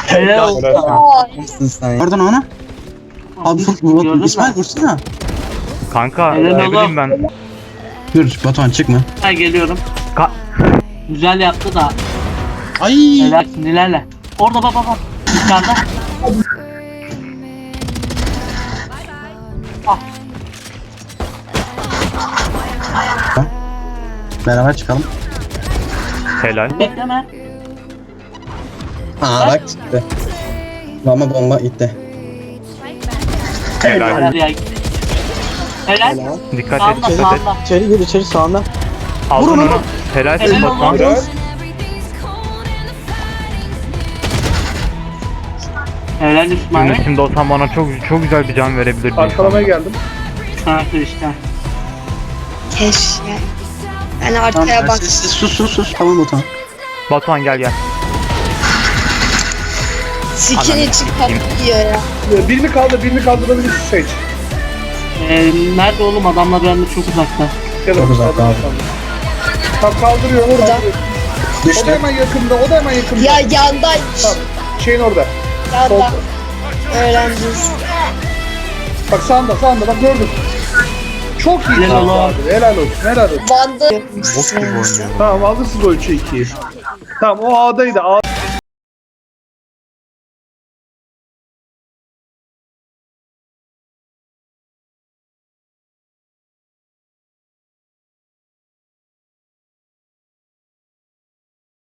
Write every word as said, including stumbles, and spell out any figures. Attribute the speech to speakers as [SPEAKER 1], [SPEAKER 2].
[SPEAKER 1] Helal olsun.
[SPEAKER 2] Nasılsın sen? Oradan ona. Abi vur,
[SPEAKER 1] Gördün
[SPEAKER 2] vur,
[SPEAKER 1] mü?
[SPEAKER 2] İsmail vursana.
[SPEAKER 3] Kanka
[SPEAKER 1] Helal
[SPEAKER 3] ne
[SPEAKER 1] oğlum.
[SPEAKER 3] bileyim ben.
[SPEAKER 2] Dur Batuhan çıkma.
[SPEAKER 1] Ha geliyorum.
[SPEAKER 3] Ka
[SPEAKER 1] Güzel yaptı da.
[SPEAKER 2] Ay.
[SPEAKER 1] Helal sinirlerle. Orada bak bak bak. Dışarıda. Ah.
[SPEAKER 2] Beraber çıkalım.
[SPEAKER 3] helal.
[SPEAKER 1] Bekleme.
[SPEAKER 2] Aa bak çıktı. Ama bomba gitti.
[SPEAKER 3] Helal.
[SPEAKER 1] Helal ya. Helal.
[SPEAKER 3] Dikkat et,
[SPEAKER 1] Sağında
[SPEAKER 3] dikkat et.
[SPEAKER 1] sağında.
[SPEAKER 2] İçeri gir içeri sağında.
[SPEAKER 3] Aldın
[SPEAKER 2] Vur, vur,
[SPEAKER 3] onu.
[SPEAKER 2] vur.
[SPEAKER 3] Helal
[SPEAKER 1] Helal
[SPEAKER 3] et Batuhan.
[SPEAKER 1] olsun. Helal İsmail.
[SPEAKER 3] Yunus şimdi olsan bana çok çok güzel bir can verebilirdin.
[SPEAKER 4] Arkalamaya geldim.
[SPEAKER 1] Kanka işte.
[SPEAKER 5] Keşke. Yani
[SPEAKER 2] Tamam,
[SPEAKER 5] arkaya bak.
[SPEAKER 2] sessiz, sus sus sus. Tamam Batuhan.
[SPEAKER 3] Batuhan gel gel.
[SPEAKER 5] Sikini
[SPEAKER 3] Ananı
[SPEAKER 5] çıkıp
[SPEAKER 3] sikeyim.
[SPEAKER 5] yiyor ya.
[SPEAKER 4] Ee, Birini kaldır, birini kaldırabilirsin Sage.
[SPEAKER 1] Ee, nerede oğlum adamlar bende çok uzakta.
[SPEAKER 4] Gel
[SPEAKER 2] Çok
[SPEAKER 4] oğlum,
[SPEAKER 2] uzak
[SPEAKER 4] kaldır,
[SPEAKER 2] abi.
[SPEAKER 4] kaldır. Tamam kaldırıyor orada. O da
[SPEAKER 2] Düştü.
[SPEAKER 4] hemen yakında, o da hemen yakında.
[SPEAKER 5] Ya yandaymış.
[SPEAKER 4] Tamam, şeyin orada.
[SPEAKER 5] Yanda.
[SPEAKER 4] Solda.
[SPEAKER 5] Öğreneceğiz.
[SPEAKER 4] Bak sağında, sağında bak gördüm. Çok iyi.
[SPEAKER 1] Helal
[SPEAKER 4] kaldı
[SPEAKER 1] olsun.
[SPEAKER 4] abi, helal olsun, helal olsun.
[SPEAKER 5] Van'da
[SPEAKER 3] Bok gibi oynuyorum.
[SPEAKER 4] Tamam alırsın o üçe ikiyi. Tamam o A'daydı. A